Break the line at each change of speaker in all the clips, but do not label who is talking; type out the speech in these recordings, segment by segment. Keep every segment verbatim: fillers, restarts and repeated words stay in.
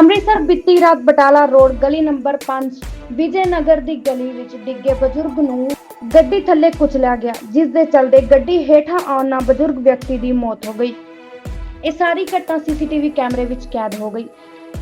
ਅੰਮ੍ਰਿਤਸਰ ਬੀਤੀ ਰਾਤ ਬਟਾਲਾ ਰੋਡ ਗਲੀ ਨੰਬਰ ਪੰਜ ਵਿਜੇ ਨਗਰ ਦੀ ਗਲੀ ਵਿੱਚ ਡਿੱਗੇ ਬਜ਼ੁਰਗ ਨੂੰ ਗੱਡੀ ਥੱਲੇ ਕੁਚਲਿਆ ਗਿਆ, ਜਿਸ ਦੇ ਚਲਦੇ ਗੱਡੀ ਹੇਠਾਂ ਆਉਣ ਨਾਲ ਬਜ਼ੁਰਗ ਵਿਅਕਤੀ ਦੀ ਮੌਤ ਹੋ ਗਈ। ਇਹ ਸਾਰੀ ਘਟਨਾ ਸੀਸੀਟੀਵੀ ਕੈਮਰੇ ਵਿੱਚ ਕੈਦ ਹੋ ਗਈ।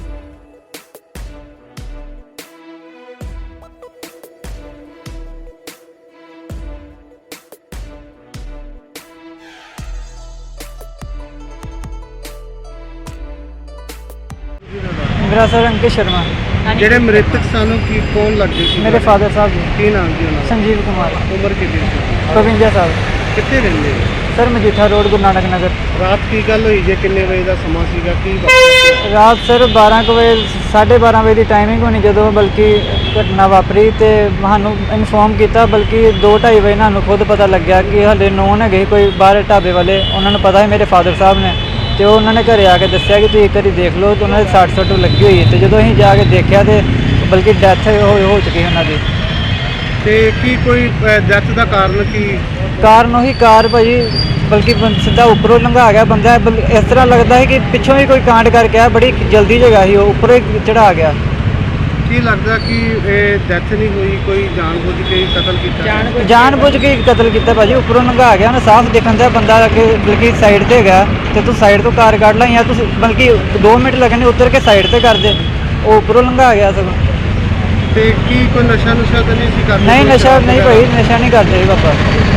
मेरा सर अंकित शर्मा।
ਜਿਹੜੇ ਮ੍ਰਿਤਕ ਸਾਨੂੰ ਕੀ ਕੌਣ ਲੱਗਦੇ ਸੀ?
मेरे फादर साहब जी
ਕੀ ਨਾਮ ਸੀ ਉਹਨਾਂ ਦਾ?
संजीव कुमार
ਉਮਰ ਕਿੰਨੀ ਸੀ?
बवंजा साहब।
ਕਿੱਥੇ ਰਹਿੰਦੇ?
सर मजीठा रोड गुरु नानक नगर।
ਰਾਤ ਕੀ ਗੱਲ ਹੋਈ ਜੇ? ਕਿੰਨੇ ਵਜੇ ਦਾ ਸਮਾਂ ਸੀਗਾ? ਕੀ ਵਾਪਰਿਆ?
रात सर बारह ਕੁ ਵਜੇ साढ़े बारह ਵਜੇ ਦੀ ਟਾਈਮਿੰਗ ਹੋਣੀ ਜਦੋਂ ਬਲਕਿ ਘਟਨਾ ਵਾਪਰੀ ਤੇ ਸਾਨੂੰ ਇਨਫੋਰਮ ਕੀਤਾ, ਬਲਕਿ ਦੋ ਢਾਈ ਵਜੇ ਸਾਨੂੰ ਖੁਦ ਪਤਾ ਲੱਗਿਆ ਕਿ ਹਲੇ ਨੋਨ ਹੈਗੇ ਕੋਈ ਬਾਹਰ ਢਾਬੇ ਵਾਲੇ, ਉਹਨਾਂ ਨੂੰ ਪਤਾ ਹੈ ਮੇਰੇ ਫਾਦਰ ਸਾਹਿਬ ਨੇ, ਤੇ ਉਹਨਾਂ ਨੇ ਘਰੇ ਆ ਕੇ ਦੱਸਿਆ ਕਿ ਤੁਸੀਂ ਇੱਕ ਵਾਰੀ ਦੇਖ ਲਓ, ਤੇ ਉਹਨਾਂ ਦੇ ਸੱਟ ਸੁੱਟ ਲੱਗੀ ਹੋਈ ਹੈ। ਤੇ ਜਦੋਂ ਅਸੀਂ ਜਾ ਕੇ ਦੇਖਿਆ ਤੇ ਬਲਕਿ ਡੈਥ ਹੋ ਹੋ ਚੁੱਕੀ ਉਹਨਾਂ ਦੀ।
ਤੇ ਕੀ ਕੋਈ ਡੈਥ ਦਾ ਕਾਰਨ ਕੀ?
ਕਾਰਨ ਉਹੀ ਕਾਰ ਭਾਜੀ ਬਲਕਿ ਬੰ- ਸਿੱਧਾ ਉੱਪਰੋਂ ਲੰਘਾ ਗਿਆ ਬੰਦਾ। ਬਲ- ਇਸ ਤਰ੍ਹਾਂ ਲੱਗਦਾ ਹੈ ਕਿ ਪਿੱਛੋਂ ਹੀ ਕੋਈ ਕਾਂਡ ਕਰਕੇ ਆ, ਬੜੀ ਜਲਦੀ ਜਗ੍ਹਾ ਸੀ, ਉਹ ਉੱਪਰੋਂ ਹੀ ਚੜਾ ਗਿਆ।
ਕੀ ਲੱਗਦਾ ਕਿ ਇਹ ਡੈਥ ਨਹੀਂ ਹੋਈ, ਕੋਈ ਜਾਣਬੁੱਝ ਕੇ ਹੀ ਕਤਲ ਕੀਤਾ?
ਜਾਣ ਬੁੱਝ ਕੇ ਕਤਲ ਕੀਤਾ ਭਾਜੀ, ਉੱਪਰੋਂ ਲੰਘਾ ਗਿਆ ਨਾ, ਸਾਫ਼ ਦਿਖਣ ਦਾ ਬੰਦਾ ਅੱਗੇ ਬਲਕਿ ਸਾਈਡ ਤੇ ਹੈਗਾ, ਤੇ ਤੂੰ ਸਾਈਡ ਤੋਂ ਕਾਰ ਕੱਢ ਲਾ ਜਾਂ ਤੂੰ ਬਲਕਿ ਦੋ ਮਿੰਟ ਲੱਗਣੇ ਉਤਰ ਕੇ ਸਾਈਡ ਤੇ ਕਰ ਦੇ, ਉਹ ਉੱਪਰੋਂ ਲੰਘਾ ਗਿਆ ਸਗੋਂ।
ਤੇ ਕੀ ਕੋਈ ਨਸ਼ਾ ਨੁਸ਼ਾ ਤਾਂ ਨਹੀਂ ਸੀ ਕਰਦੇ?
ਨਹੀਂ ਨਸ਼ਾ ਨਹੀਂ ਭਾਈ, ਨਸ਼ਾ ਨਹੀਂ ਕਰਦੇ ਪਾਪਾ।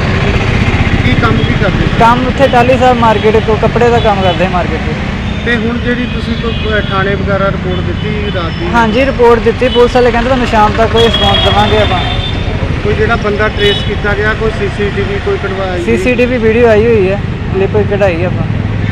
ਕੀ ਕੰਮ ਕੀ ਕਰਦੇ?
ਕੰਮ ਉੱਥੇ ਟਾਲੀ ਸਾਹਿਬ ਮਾਰਕੀਟ ਤੋਂ ਕੱਪੜੇ ਦਾ ਕੰਮ ਕਰਦੇ ਮਾਰਕੀਟ 'ਚ।
ਤੇ ਹੁਣ ਜਿਹੜੀ ਤੁਸੀਂ ਕੋਈ ਥਾਣੇ ਵਗੈਰਾ ਰਿਪੋਰਟ ਦਿੱਤੀ ਰਾਤ ਦੀ?
ਹਾਂਜੀ ਰਿਪੋਰਟ ਦਿੱਤੀ, ਪੁਲਿਸ ਵਾਲੇ ਕਹਿੰਦੇ ਤੁਹਾਨੂੰ ਸ਼ਾਮ ਤੱਕ ਕੋਈ ਰਿਸਪੌਂਸ ਦੇਵਾਂਗੇ ਆਪਾਂ।
ਕੋਈ ਜਿਹੜਾ ਬੰਦਾ ਟ੍ਰੇਸ ਕੀਤਾ ਗਿਆ, ਕੋਈ ਸੀਸੀਟੀਵੀ ਕੋਈ ਕਢਵਾਈ?
ਸੀਸੀਟੀਵੀ ਵੀਡੀਓ ਆਈ ਹੋਈ ਹੈ, ਕਲਿੱਪ ਕਢਾਈ ਆਪਾਂ।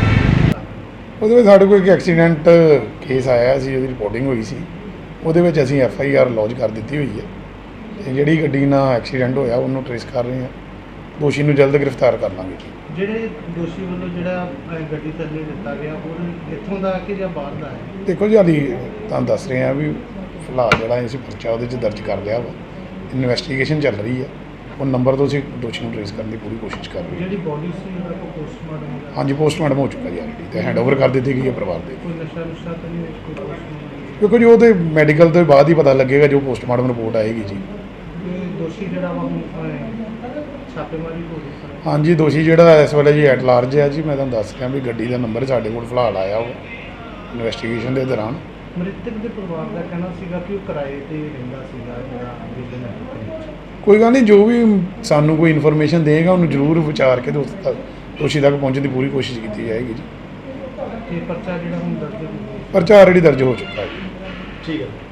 ਉਹਦੇ ਵਿੱਚ ਸਾਡੇ ਕੋਲ ਇੱਕ ਐਕਸੀਡੈਂਟ ਕੇਸ ਆਇਆ ਸੀ, ਉਹਦੀ ਰਿਪੋਰਟਿੰਗ ਹੋਈ ਸੀ, ਉਹਦੇ ਵਿੱਚ ਅਸੀਂ ਐਫ ਆਈ ਆਰ ਲੌਂਚ ਕਰ ਦਿੱਤੀ ਹੋਈ ਹੈ। ਤੇ ਜਿਹੜੀ ਗੱਡੀ ਨਾਲ ਐਕਸੀਡੈਂਟ ਹੋਇਆ ਉਹਨੂੰ ਟ੍ਰੇਸ ਕਰ ਰਹੇ ਹਾਂ, ਦੋਸ਼ੀ ਨੂੰ ਜਲਦ ਗ੍ਰਿਫਤਾਰ ਕਰ ਲਾਂਗੇ ਜੀ।
ਜਿਹੜੇ ਦੋਸ਼ੀ ਵੱਲੋਂ ਜਿਹੜਾ ਗੱਡੀ ਥੱਲੇ ਦਿੱਤਾ ਗਿਆ ਉਹ ਇੱਥੋਂ ਦਾ ਕਿ ਜਾਂ ਬਾਹਰ ਦਾ ਹੈ?
ਦੇਖੋ ਜੀ ਹਾਲੀ ਤੁਹਾਨੂੰ ਦੱਸ ਰਹੇ ਹਾਂ ਵੀ ਫਿਲਹਾਲ ਜਿਹੜਾ ਅਸੀਂ ਪਰਚਾ ਉਹਦੇ 'ਚ ਦਰਜ ਕਰ ਲਿਆ ਵਾ, ਇਨਵੈਸਟੀਗੇਸ਼ਨ ਚੱਲ ਰਹੀ ਹੈ, ਉਹ ਨੰਬਰ ਤੋਂ ਅਸੀਂ ਦੋਸ਼ੀ ਨੂੰ ਟ੍ਰੇਸ ਕਰਨ ਦੀ ਪੂਰੀ ਕੋਸ਼ਿਸ਼ ਕਰ ਰਹੇ ਹਾਂ।
ਜਿਹੜੀ ਬੋਡੀ ਸੀ ਉਹਦਾ ਕੋਈ ਪੋਸਟਮਾਰਟਮ? ਹਾਂਜੀ,
ਪੋਸਟਮਾਰਟਮ ਹੋ ਚੁੱਕਾ ਜੀ ਆਲਰੇਡੀ, ਤੇ ਹੈਂਡਓਵਰ ਕਰ ਦਿੱਤੀ ਗਈ ਹੈ ਪਰਿਵਾਰ ਦੇ।
ਕੋਈ ਨਸ਼ਾ ਨੁਸ਼ਾ ਤਾਂ ਨਹੀਂ ਕੋਈ ਪੋਸਟਮਾਰਟਮ?
ਕਿਉਂਕਿ ਜੀ ਉਹਦੇ ਮੈਡੀਕਲ ਤੋਂ ਬਾਅਦ ਹੀ ਪਤਾ ਲੱਗੇਗਾ, ਜੋ ਪੋਸਟਮਾਰਟਮ ਰਿਪੋਰਟ ਆਏਗੀ ਜੀ।
ਦੋਸ਼ੀ ਜਿਹੜਾ ਵਾ ਹੁਣ ਛਾਪੇਮਾਰੀ ਹੋ ਰਹੀ ਹੈ?
ਹਾਂਜੀ ਦੋਸ਼ੀ ਜਿਹੜਾ ਇਸ ਵੇਲੇ ਜੀ ਐਟ ਲਾਰਜ ਹੈ ਜੀ। ਮੈਂ ਤੁਹਾਨੂੰ ਦੱਸ ਰਿਹਾ ਵੀ ਗੱਡੀ ਦਾ ਨੰਬਰ ਸਾਡੇ ਕੋਲ ਫਿਲਹਾਲ ਆਇਆ ਉਹ ਇਨਵੈਸਟੀਗੇਸ਼ਨ ਦੇ ਦੌਰਾਨ।
ਮ੍ਰਿਤਕ ਦੇ ਪਰਿਵਾਰ ਦਾ ਕਹਿਣਾ ਸੀਗਾ ਕਿ ਉਹ ਕਿਰਾਏ ਤੇ ਰਹਿੰਦਾ ਸੀਗਾ ਜਿਹੜਾ ਵਿਜੇ ਨਗਰ।
ਕੋਈ ਗੱਲ ਨਹੀਂ, ਜੋ ਵੀ ਸਾਨੂੰ ਕੋਈ ਇਨਫੋਰਮੇਸ਼ਨ ਦੇਗਾ ਉਹਨੂੰ ਜ਼ਰੂਰ ਵਿਚਾਰ ਕੇ ਦੋਸਤ ਤੱਕ ਦੋਸ਼ੀ ਤੱਕ ਪਹੁੰਚਣ ਦੀ ਪੂਰੀ ਕੋਸ਼ਿਸ਼ ਕੀਤੀ ਜਾਏਗੀ ਜੀ।
ਤੇ ਪਰਚਾ ਜਿਹੜਾ ਹੁਣ ਦਰਜ ਹੋ ਗਿਆ?
ਪਰਚਾ ਆਲਰੇਡੀ ਦਰਜ ਹੋ ਚੁੱਕਾ ਹੈ ਜੀ।
ਠੀਕ ਹੈ।